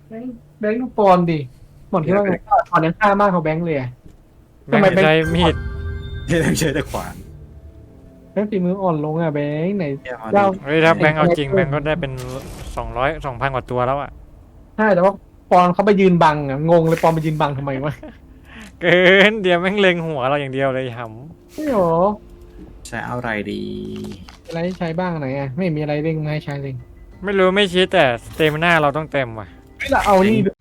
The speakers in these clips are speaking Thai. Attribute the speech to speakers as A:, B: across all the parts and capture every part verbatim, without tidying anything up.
A: แบงค์แบงค์ดูปอนดิหมดที่ว่าไงปอนยังฆ่ามากกว่าแบงค์เลยอะ
B: แบงค์ใช้มีด
C: ที่ต้องใช้แต่ขวาน
A: แบงค์ฝีมืออ่อนลงอ่ะแบงค์ไหน
C: แค่เอา
A: เจ้า
B: เฮ้ยถ้าแบงค์เอาจริงแบงค์ก็ได้เป็นสองร้อยสองพันกว่าตัวแล้วอ่ะ
A: ใช่แต่ว่าปอนเขาไปยืนบังอ่ะงงเลยปอนไปยืนบังทำไมวะ
B: เกินเดี๋ยวแม่งเล็งหัวเราอย่างเดียวเลยห
A: ไม่หรอ
C: ใช้อะไรดี
A: อะไรให้ใช้บ้างไหนอ่ะไม่มีอะไรเร่งมาให้ใช้เลย
B: ำไม่รู้ไม่ชี้แต่สเตมิน่าเราต้องเต็มว่ะ
A: เฮ้ยเราเอานี่ดู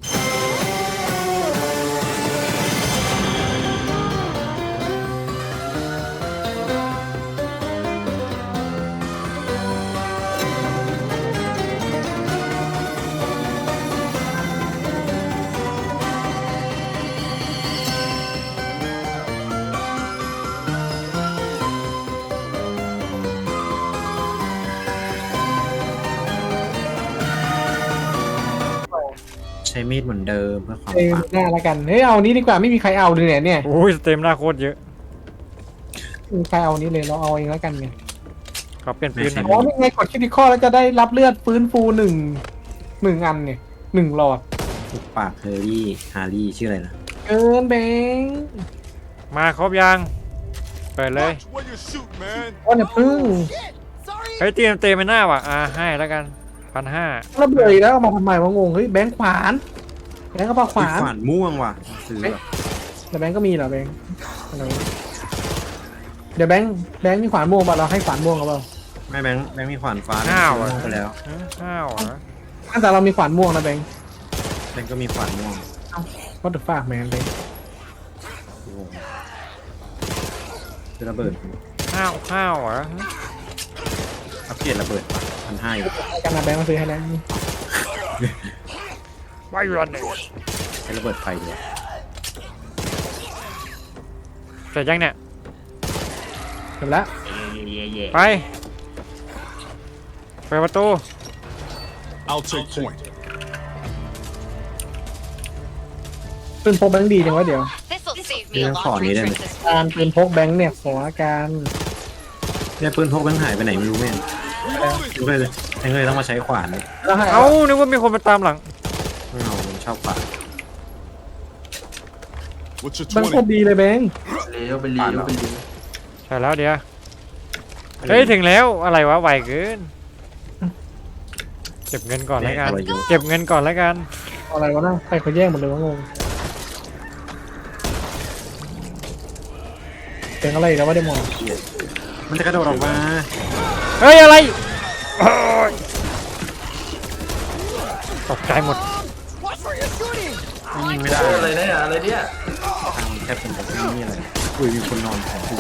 C: ใช้มีดเหมือนเดิมเพื่อความ
A: เอ้ย
C: ปัง
A: หน้าละกันเฮ้ยเอานี้ดีกว่าไม่มีใครเอาเลยเนี่ยเนี่ย
B: โอ้ยสเตมิน่าโคตรเยอะ
A: ไม่มีใครเอานี้เลยเราเอาเองแล้วกันไง
B: ขอเปลี่ยนปืนหน่อย
A: อ๋อนี่ไงกดคลิกข้อแล้วจะได้รับเลือดฟื้นฟูหนึ่งหนึ่งอันเนี่ยหนึ่งหลอด
C: ทุกปากเฮอร์รี่ฮาร์รี่ชื่ออะไรนะ
A: เกินแบงค์
B: มาครบยังเปิดเลย
D: Watch where you shoot, man.
A: ว่าเนี่ยพึ่ง
B: เฮ้ยเตรียมเตมิน่าว่ะอ่าให้แล้วกันพันห้า
A: ระเบิดอีกแล้วเอามาทำไมวะงงเฮ้ยแบงค์ขวานแบงค์ก็ปาขวาน
C: ขวานม่วงว่ะซื้อแบบ
A: แต่แบงค์ก็มีเหรอแบงค์อะไรวะเดี๋ยวแบงค์แบงค์มีขวานม่วงป่ะเราให้ขวานม่วงกับเรา
C: ไม่แบงค์แบงค์มีขวานฟ้า
B: ห้าว
C: ม่
B: อ่ะ
C: วงไปแล้ว
B: ห้าวอ่ะ
A: แต่เรามีขวานม่วงนะแบงค์
C: แบงค์ก็มีขวานม่วง
A: ก็ถือฝากแมนเลย
C: โอ้โหคือระเบิด
B: ห้าวห้าวอ่ะ
C: อัปเกรดระเบิดพันห้าอยู่
A: ให้กันนะแบงค์มาซื้อให้แล้วนี่
B: ไม่รันเลย
C: ใช้ระเบิดไฟด้วย
B: เสร็จยังเนี่ย
A: เสร็จแล้ว
B: ไปเปิดประตู
D: I'll take point.
A: ปืนพกแบงค์ดีจังวะเดี๋ยว
E: This'll save
C: นี่
E: me a
C: ต้องขอ
E: lot
C: นี้ได้ไหม
E: research this
A: การปืนพกแบงค์เนี่ยขออาการ
C: เนี่ยปืนพกแบงค์หายไปไหนไม่รู้แม่ง
D: Reloading.
C: รู้เลยเลยแบงค์เลยต้องมาใช้ขวานเลย
A: แล้วให้
B: เอ้านึกว่ามีคนมาตามหลัง
C: ไม่เอาผมชอบขวาน
D: What's your
A: แบงค์โคตร
D: twenty?
A: ดีเลยแบงค์
F: เลี้ยวไปเลี้ยวไปเลี้ยว
B: ใช่แล้วเดี๋ยวเฮ้ยถึงแล้วอะไรวะไวเกินเก็บเงินก่อนแล้วกัน
C: แม่งเอาไว้อยู่
B: เก็บเงินก่อนแล้วกัน
A: เอาอะไรวะน่ะใครเขาแย่งหมดเลยวะงงเสียงอะไรอีกแล้ววะเดมอน
C: มันจะกระโดดออกมา
B: เฮ้ยอะไรโอ้ยตกใจหมด
C: ยิงไม่ได้
F: อะไรเนี่ยอะไรเนี่ย
C: ทางแทบเป็นแบบนี้อะไรอุ้ยมีคนนอนของกู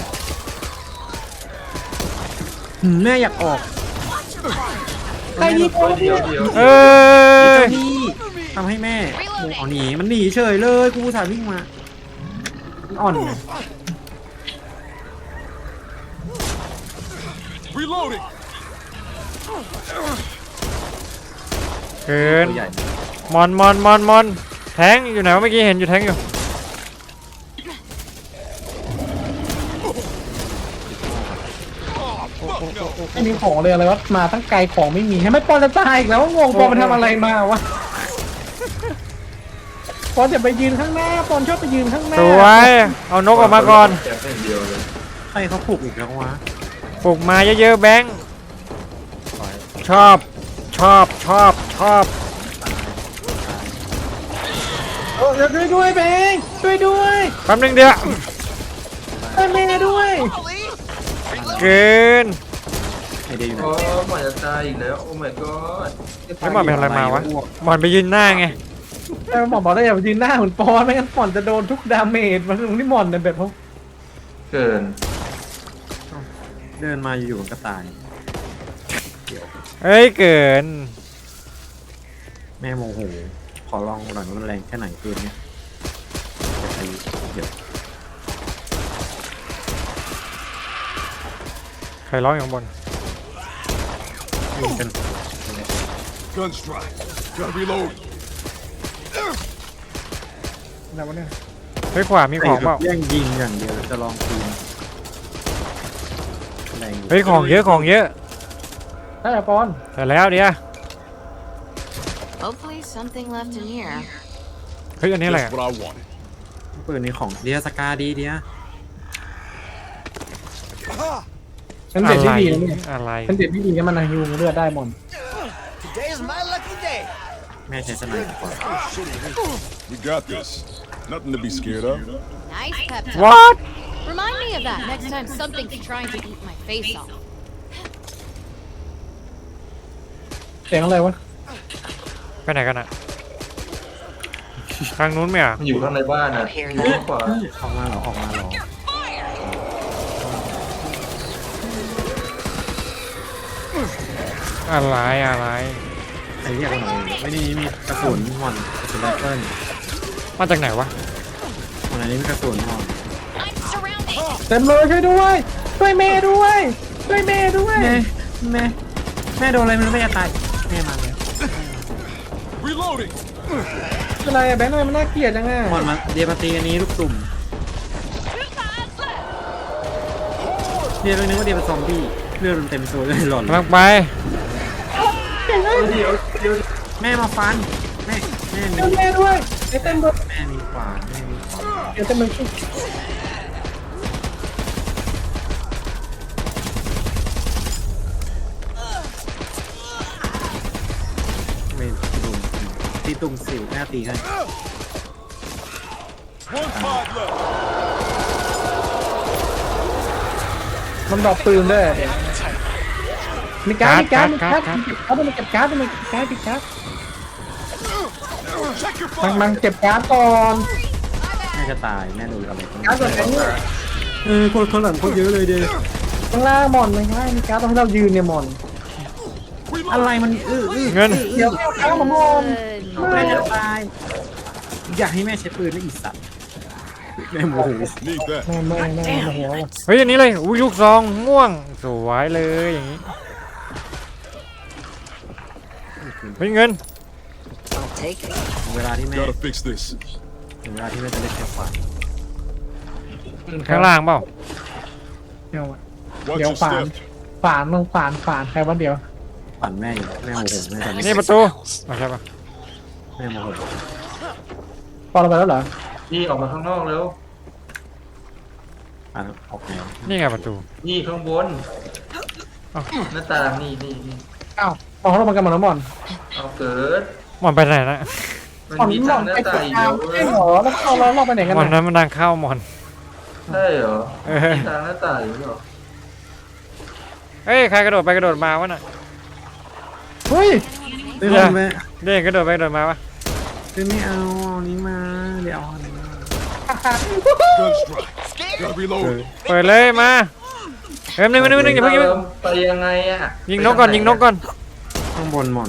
C: หืมแม่อยากออก
A: ใครยิง
F: เดี๋ยวเดี๋ยว
B: เอ้ย
C: เจ้านี่ทำให้แม่โอ้เอาหนีมันหนีเฉยเลยกูอุตสาห์วิ่งมามันอ่อนไง
D: Reloading.
B: เกิน
C: ตัวใหญ่
B: มอนมอนมอนมอนแทงอยู่ไหนวะเมื่อกี้เห็นอยู่แทงอยู่
A: ไม่มีของเลยอะไรวะมาตั้งไกลของไม่มีให้ไม่ปอนจะตายอีกแล้วงงปอนมันทำอะไรมาวะปอนจะไปยืนข้างหน้าปอนชอบไปยืนข้างหน้า
B: สวยเอานกออกมาก่อน
F: แกเป็นเดียวเลย
C: ใครเขาปลูกอีกแล้ววะ
B: ปลุกมาเยอะๆแบงค์ชอบชอบชอบชอบ
A: เออช่วยด้วยเบงช่วยด้วย
B: แป๊บนึงเดียว
A: ช่วยแม่ด้วย
B: เกิน
C: ไอเดียอยู่ไหน
F: โอ้หมอนจะตายอีกแล้วโอ้ my god
B: แล้วมอนเป็นอะไรมาวะมอนไปยืนหน้าไง
A: แต่หมอนบอกได้อย่าไปยืนหน้าเหมือนปอนไม่งั้นปอนจะโดนทุกดาเมจมันถึงที่หมอนเนี่ยแบบเขา
F: เกิน
C: เดินมาอยู่ๆมันก็ตาย
B: เอ้ยเกิน
C: แม่โมโหขอลองหน่อยว่ามันแรงแค่ไหนเกมเนี้ยจะไปเดี๋ยว
B: ใครร้องอยู่ข้างบน
C: ยิงกัน
D: Gun strike. Gotta reload.
A: อะไรวะเนี่ย
B: เฮ้ยขวามีของเปล่า
C: แย่งยิงอย่างเดียวจะลองคืนแรงอยู่
B: เฮ้ยของเยอะของเยอะ
A: ได้ปอน
B: แต่แล้วเดี๋ยว
E: Hopefully something left in here.
B: เฮ้ยอันนี้อะไร
D: Just
B: อะ
D: what I wanted.
C: ปืนนี้ของเดียสกาดีเดีย
A: เป็น
B: อะ
A: เด็ดที่
B: ไร
A: ดีนะเนี่ย
B: อะไร
A: เป็นเด็ดที่ดีนะมันฮิวเลือดได้หมด
G: Today's my lucky day.
C: แม่ใช้สไนเปอร์ก่อน
D: We got this. Nothing to be scared of.
E: Nice pep talk.
B: what
E: Remind me of that next time something's trying to eat my face off.
A: เสียงอะไรวะ
B: ไปไหนกันอะทางนู้นไหมอะ
F: มันอยู่ข้างในบ้านอ่ะอยู่ข้างขวา
C: ออกมาเหรอออกมาเหรอ
B: อะไรอะไร
C: ใครเรียกว่าหน่อยไม่ได้มีกระสุนหมอนกระสุนไรเฟิล
B: มาจากไหนวะ
C: วันนี้มีกระสุนหมอน
E: I'm surrounded.
A: เต็มเลยช่วยด้วยช่วยเมย์ด้วยช่วยเมย์ด้วย
C: แม่แม่แม่โดนอะไรมันไม่จะตายแม่มาเลย
D: Reloading.
A: อะไรอะแบงค์ทำไมมันน่าเกลียดจังอะ
C: หมอนมาเดียมาตีอันนี้ลูกตุ่มเดียเลยนึกว่าเดียเป็นซอมบี้เลือดมันเต็มตัวเลยหล่อน
B: กำลังไป
F: เดี๋ยวเดี๋ยวเดี๋ยว
C: แม่มาฟันแม่แม่มี
A: ช่วยเมย์ด้วยไอ้เต็มเลย
C: แม่มีขวานแม่มีขวาน
A: เดี๋ยวเต็มเลยช่วย
C: ไม่ตุ่มตีตุ่มสิวแม่ตีให้
D: One pod left.
A: มันดรอปปืนด้วยมีการ์ดมีการ์ดมีการ์ด
B: การ์ด
A: เขาต้องมาเก็บการ์ดต้องมาเก็บการ์ดเก็บการ์ด
D: Check your
A: มัง
D: fire.
A: มังเก็บการ์ดก่อน
C: แม่จะตายแม่โดนอะไร
A: การ์ดก่อนไอ้เนี่ย
C: เออคนคนหลังคนเยอะเลยเดีย
A: ข้างล่างหมอนมันข้างล่างมีการ์ดต้องให้เรายืนเนี่ยหมอน
C: อะไรมันอื้ออื้อ
B: เงิน
A: เดี๋ยวเอาการ์ดมาหมอน
E: Good.
C: แม่จะตายอยากให้แม่ใช้ปืนแล้วอีสัตว์แม่โมโห
D: Need that.
A: แม่แม่แม่โมโหว่ะ
B: เฮ้ยอันนี้เลยอุ้ยลูกซองม่วงสวยเลยอย่างนี้เฮ้ยเงิน
G: I'll take it.
C: เวลาที่แม่
D: Gotta fix this.
C: ถึงเวลาที่แม่จะเล่นแค่ขวาน
B: ข้างล่างเปล่า
A: เดี๋ยวอะ
D: Watch
A: เดี๋ยว
D: your
A: ฝาน
D: step.
A: ฝานลงฝานฝานใครวะเดี๋ยว
C: ปั่นแม่อยู่แม่โมโหแม่ตอนนี้
B: นี่ประตูไม่ใช่ปะ
C: แม่โมโห
A: พอเราไปแล้วเหรอ
F: นี่ออกมาข้างนอกแล้ว
C: ปั่นออกแนว
B: นี่ไงประตู
F: นี่ข้างบน
B: เอ้า
F: หน้าต่างนี่นี่นี่
A: อ้าวมองเรามากันหมดแล้วหมอน
F: เอาเกิด
B: หมอนไปไหนนะ
F: มัน
A: หมอน
F: มี
A: หม
F: ทา
A: อง น
F: หน้า
A: ไป
F: ต่าง
A: ติด
F: อีก
A: ตาม
F: เดียว
A: ใช่เหรอแล้วเราเราเราไปไหนกัน
B: หมอน
A: นะ
B: นั้นมันดังเข้าหมอน
F: ใช่เหรอ
B: เออ
F: มีทางหน้าต่างอยู่เหรอ
B: เฮ้ยใครกระโดดไปกระโดดมาวะน่ะ
A: เฮ้ย
C: เฮ้ยแม่
B: เด้งกระโดดไปกระโดดมาวะ
C: เฮ้ยไม่เอาเอานี้มาเดี๋ยวเอาอันนี้มา
D: Gun strike. Gotta reload.
B: เปิดเลยมาเฮ้ยนึงนึงนึงอย่าเพิ่งอย่าเพิ่ง
F: ไปยังไงอ่ะ
B: ยิงนกก่อนยิงนกก่อน
C: ข้างบนหมอน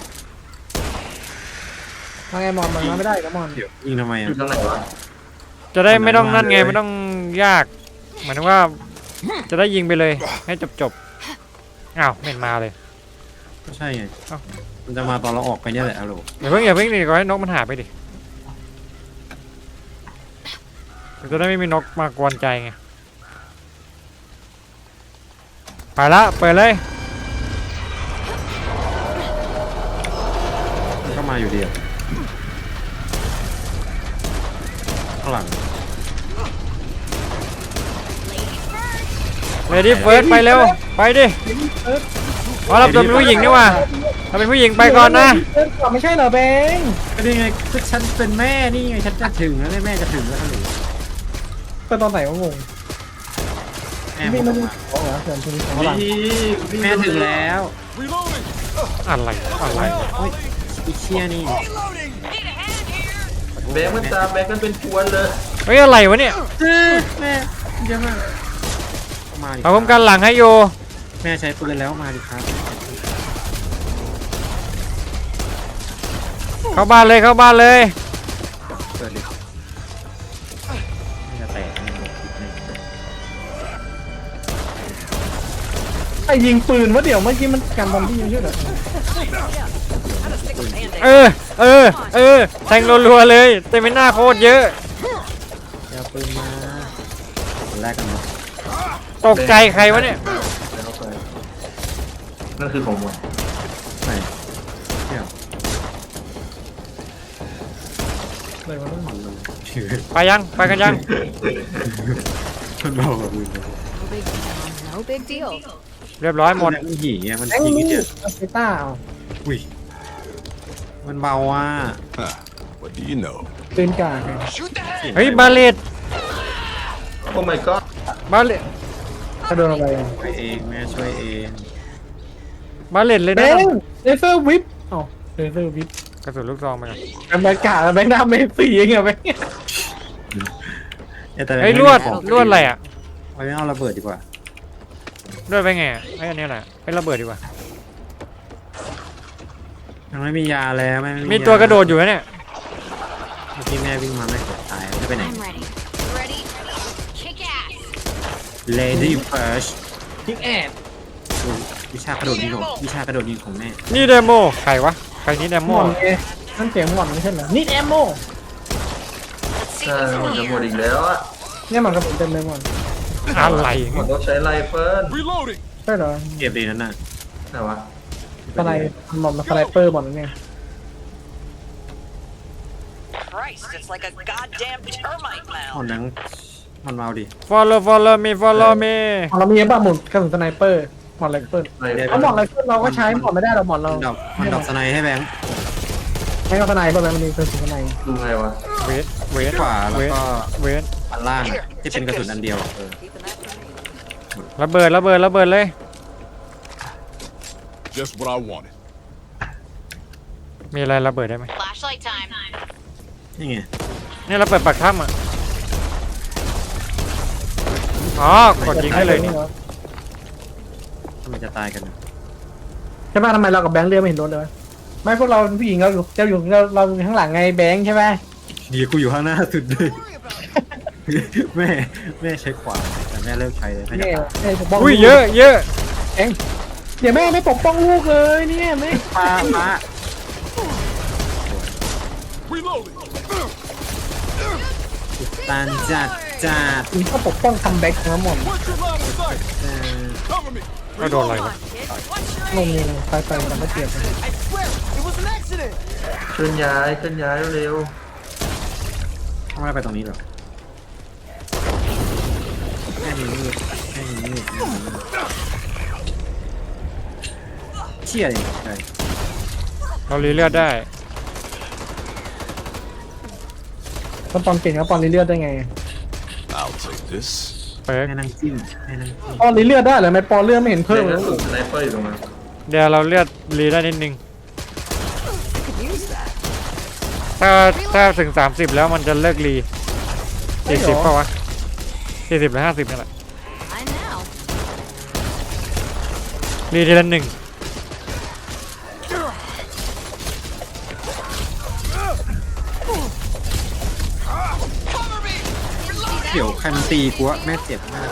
A: มาไงหมอนมันมาไม่ได้นะหมอน
C: เดี๋ยวยิงทำไม
F: อ
C: อ่ะ
F: ยู่ทางไหนวะ
B: จะได้ไม่ต้องนั่นไงไม่ต้องยากหมายถึงว่าจะได้ยิงไปเลยให้จบจบๆอ้าวไม่มาเลย
C: ก็ใช่ไง
B: เอ้า
C: มันจะมาตอนเราออกไปเนี่ยแหละฮัลโหล
B: อย่าเพิ่งอย่าเพิ่งดิก่อนให้นกมันหายไปดิจะได้ไม่มีนกมากวนใจไงไปละเปิดเลย
C: มันก็มาอยู่ดีอะข้างหลัง
B: เลดี้เฟิร์สไปเร็วไปดิอ๋อเราเป็นผู้หญิงนี่ว่าเราเป็นผู้หญิงไปก่อนนะ
A: เดินก่อนไม่ใช่เหรอแบงค์
C: ก็นี่ไงก็ฉันเป็นแม่นี่ไงฉันจะถึงแล้วเนี่ยแม่จะถึงแล้วฮัลโหล
A: เป็นตอนไหนวะงง
C: แม่
A: ไม่
C: บ
A: ไม่
C: อก
A: รู้
C: มา
A: อ๋อเหรอเกินทีนี้ของหลัง
F: นี่นี่
C: แม่ถึงแล้ว
D: Reloading.
B: อะไรอะไร
C: โอ้ยอีเชียนี่
F: แบงค์มันตามแบงค์กันเป็นพวนเลย
B: เฮ้ยอะไรวะเนี่ย
C: เออแม่เยอะมากมาดิ
B: เอาผมกันหลังให้โย
C: แม่ใช้ปืนแล้วมาดิครับ
B: เข้าบ้านเลยเข้าบ้านเลย
C: เปิดดิไม่จะแตกแน่เลย
A: ไอ้ยิงปืนวะเดี๋ยวเมื่อกี้มันกันบอมบี้ไม่ใช่เหรอ
B: เออเออเออแทงรัวๆเลยเต็มไปหน้าโคตรเยอะ
C: เดี๋ยวปืนมาคนแรกกันเนาะ
B: ตกใจใครวะเนี่ย
F: แล้วไปนั่นคือของมัน
C: ไหนเดี๋ยว
A: อะไรวะ
C: ผ่อนลง
B: ไปยังไปกันยัง
C: มันเบาแบบมือ
E: No big deal. No big deal.
B: เรียบร้อยหมด
C: มันหี่อ่ะมัน
A: แบงค์
C: ยิง
A: นี่
C: เดียว
A: อาเซต้าเอา
C: อุ้ยมันเบาอ่ะ
D: Huh. What do you know?
A: ปืนกากไง
B: เฮ้ยบาเลต
F: โอ้ my god
B: บาเลต
A: กระโดดอะไรอ่ะ
C: ช่วยเองแม่ช่วยเอง
B: บาเลตเลย
A: แบ
B: นะ
A: งค์เลเซอร์วิปอ๋อเลเซอร์วิป
B: กระสุนลูกซองไปก่อน
A: แบงค์กากแบงค์หน้าเมสซี่ยังไงแบงค์
C: แต่
B: เฮ้ยลวดลวดอะไรอ่ะ
C: เอาไม่เอาระเบิดดีกว่า
B: ลวดไปไงอะไอ้อันนี้แหละไประเบิดดีกว่า
C: ยังไม่มียาแล้วแม่ไ
B: มีตัวกระโดดอยู่นะเนี่ย
C: เมื่อกี้แม่วิ่งมาไม่กดตายไม่ไปไหน
E: I'm ready. Ready? Kick ass.
C: Lady First ทิ้งแอบวิชากระโดดยิงของวิชากระโดดยิงของแม่
B: นี่เดโมใครวะใครนี่เด
A: ห
B: โม
A: มอนเอนั่นเสียงหมอนไม่ใช่เหรอนี่แอมโม
F: ใช่หมดจะหมดอีกแล้วอ่ะ
A: เนี่ยหมอนกระสุนเต็มเลยหมอน
B: อะไร
F: หมดต้องใช้ไรเฟิล
D: Reloading.
A: ใช่เหรอ
C: เก็บดีนั่นน่ะ
F: ไหนวะ
A: สไนหมอนสไนเปอร์หมอนนั่นไง
G: Christ, it's like a goddamn termite
C: หมอน
G: mound.
C: นั้นมันเมาดิ
B: follow follow me follow me
A: หมอนเรามีป่ะหมอนกระสุนสไนเปอร์หมอนไรเฟิล
F: ไร
A: เอาหมอนไรเฟิลเราก็ใช้หมอนไม่ได้เราหมอนเรา
C: มันดอกมันดอกสไนให้แบงค์
A: ไม่เอาสไนเปอร์แบงค์มันมีกระสุนสไน
F: ดูไงวะ
B: เวทเวท
C: ขวาแล้ว
B: เวท
C: ก็
B: เวท
C: อันล่างอะที่เป็นกระสุนอันเดียวเออ
G: Keeping that for me.
B: ระเบิดระเบิดระเบิดเลย
D: Just what I wanted.
B: มีอะไรระเบิดได้ไหม
E: Flashlight time.
C: นี่ไง
B: นี่เราเปิดปากถ้ำอ่ะอ๋อกดยิงได้เลยนี่
C: ทำไมจะตายกันอะ
A: ใช่ไหมทำไมเรากับแบงค์เรือไม่เห็นรถเลยวะไม่พวกเราเป็นผู้หญิงเราอยู่เราอยู่เราเราอยู่ข้างหลังไงแบงค์ใช่ไหม
C: เดี๋ยวกูอยู่ข้างหน้าสุดเลย แม่แม่ใช้ขวาแต่แม่เลิกใช้เลยแม่จะ
A: เนี่ย
C: ตาย
A: เนี่ยปกป้อง
B: อุ้ยเยอะเยอะ
A: เองเดี๋ยวแม่ไม่ปกป้องลูกเลยเนี่ยแม่
C: ป้าป้า
D: Reloading.
C: ตันจัดจัด
A: มีข้อปกป้องคัมแบ็กทั้งหมด
D: What's your line of sight?
C: เออ
D: Cover me.
B: ก็โดนอะไรวะ
A: ลงนี่เลยไปไปแต่ไม่เจ็บเลย
G: I swear, it was an accident.
F: เคลื่อนย้ายเคลื่อนย้ายเร็ว
C: ทำไมไปตรงนี้หรอแม่มีมืดแม่มีมืดแม่มีมืดเชี่ยเลยใช่
B: เรารีเลือดได้
A: ก็ปอนเก่งแล้วปอนรีเลือดได้ไง
D: I'll take this.
B: เปิร์ก
C: แม่นั่งจิ้มแม่นั่งจิ้ม
A: ปอนรีเลือดได้เหรอไม่ปอนเลือดไม่เห็น
F: ๆ
A: เพิ่ม
F: เพิ่
A: เล
F: ม
A: ย
F: สูงสไนเปอร์อยู่ตรงนั้น
B: เดี๋ยวเราเลือดรีได้นิดนึง ถ้าถ้าถึงสามสิบแล้วมันจะเลิกรีสี่สิบเปล่าวะสี่สิบหรือห้าสิบนี่แหละ
E: I know.
B: รีทีละหนึ่ง
C: เดี๋ยวใครมันตีกูวะแม่เจ็บมาก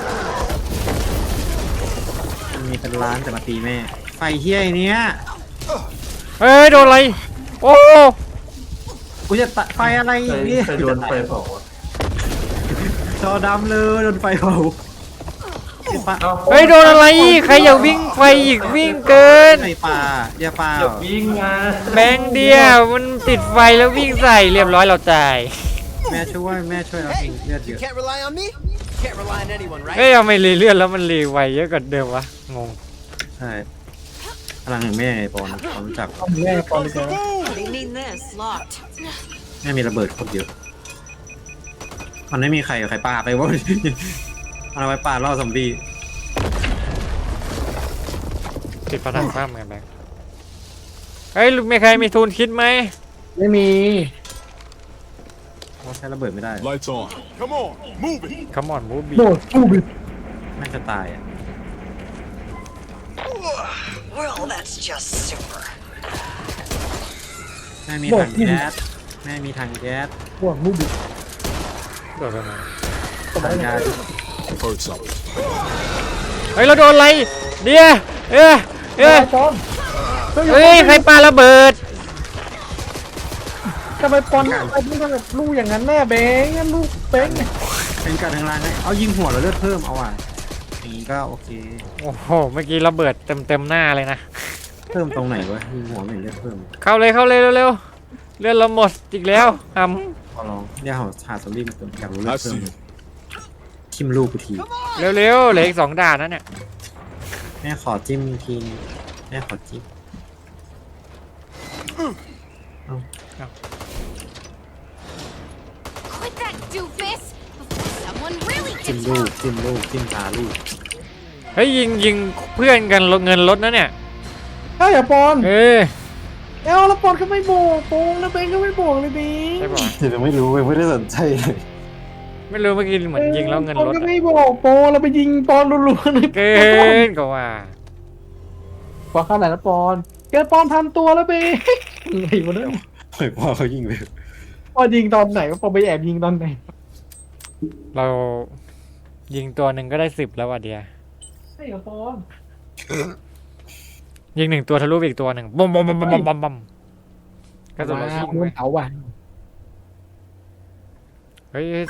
C: มันมีเป็นล้านแต่มาตีแม่ไฟเฮี้ยไอ้เนี้ย
B: เฮ้ยโดนอะไรโอ้
C: กูจะตัดไฟอะไร
F: ใคร
C: อีกเนี่ย
F: ใครโดนไฟเผาอะ
C: จอดำเลยโดนไฟเผาไอ้ปลา
F: เอ้า
B: เฮ้ยโดนอะไรใครอย่าวิ่งไฟอีกวิ่งเกิน
C: ไอ้ปลาอย่าปลา
F: อย่าวิ่งมา
B: แบงค์เดียวมันติดไฟแล้ววิ่งใส่เรียบร้อยเราตาย
C: แม่ช่วยแม่ช่วยเราเองเลือดเย
G: You
C: อะ
G: can't rely on me. Can't rely on anyone,
B: เฮ้ย
G: right?
B: ทำไมรีเลือดแล้วมันรีไวเยอะกว่าเดิมวะงง
C: ใช่พลังแห่งแม่ไอ้ปอนเขารู้จัก
A: ปอนแม่ปอนเลยเจอ
G: They need this. Locked.
C: แม่มีระเบิดโคตรเยอะมันไม่มีใครใครปาไปวะ มันเอาไว้ปาล่อซอมบี้
B: ติดผนังซ้ำเหมือนกันแบงค์เฮ้ยมีใครมีทุนคิดไหม
A: ไม่มี
C: เขาใช้ระเบิดไม่ได้
D: Lights on. Come on. Move it.
B: คัมอนมูบี
A: โดดทูบิ
C: แม่จะตายอ่ะ
G: Well, that's just super.
C: แม่มีถังแก๊สแม่มีถังแก๊ส
A: บวกมูบิ
B: โดนไปไหน
C: ถังแก๊ส
D: Heard something.
B: เฮ้ยเราโดนอะไรเดียวเอ้ยเอ้ย
A: ปอน
B: เฮ้ยใครปาระเบิด
A: ทำไมปอนไอ้นี่ทำแบบลูกอย่างนั้นแม่เบงงั้นลูกเบง
C: เป็นการทางล่างให้เอายิงหัวแล้วเลือดเพิ่มเอาอ่ะอย่างนี้ก็โอเค
B: โอ้โหเมื่อกี้ระเบิดเต็มเต็มๆหน้าเลยนะ
C: เพิ่มตรงไหนวะยิงหัวไม่เห็นเลือดเพิ่ม
B: เข้าเลยเข้าเลยเร็วๆเลือดเราหมดอีกแล้วท
C: ขอลองเนี่ยหาหาซอมบี้มาตัวอยากรู้เรื่อ
D: I
C: งเพิ่ม
D: see you.
C: ทิมลูกกูที
B: ำเร็วๆเหลืออีกสองด่านนะเนี่ย
C: แม่ขอจิ้มทีนึงแม่ขอจิ้ม
E: Quit that doofus before someone really
C: จิ้ม
E: gets
C: ลูก
E: hurt.
C: จิ้มลูกจิ้มตาลูก
B: เฮ้ยยิงยิงเพื่อนกันลดเงินลดนะเนี่ย
A: ใช่เหรอปอน
B: เอ้ย
A: เอ้าแล้วปอนก็ไม่บอกปงแล้วเบงก็ไม่บอกเลยเบง
B: ใช่ป่ะ
C: เดี๋ยวไม่รู้ไม่ได้สนใจเลย
B: ไม่รู้เมื่อกี้เหมือนยิงแล้วเงิน
A: ปอน
B: ลด
A: ก็
B: อะ
A: ไม่บอกปอนเราไปยิงปอนรัวๆเลย
B: เกินกว่า
A: ปอนเข้าไหนแล้วปอนเกิดปอนพันตัวแล้วเบงไงวะเนี่ย
C: ปล่อยพ่อเขายิงเลย
A: ปอนยิงตอนไหนวะปอนไปแอบยิงตอนไหน
B: เรายิงตัวหนึ่งก็ได้สิบแล้วว่ะเดีย
A: ใช่เหรอปอน
B: ยิงหนึ่งตัวทะลุไปอีกตัวหนึ่งบอมบอมบอมบอมบอมบอมก็ตัวละ
A: ว้า
B: ชิ้
A: วน
B: เว้ย
A: เผาว่ะ
B: เฮ้ย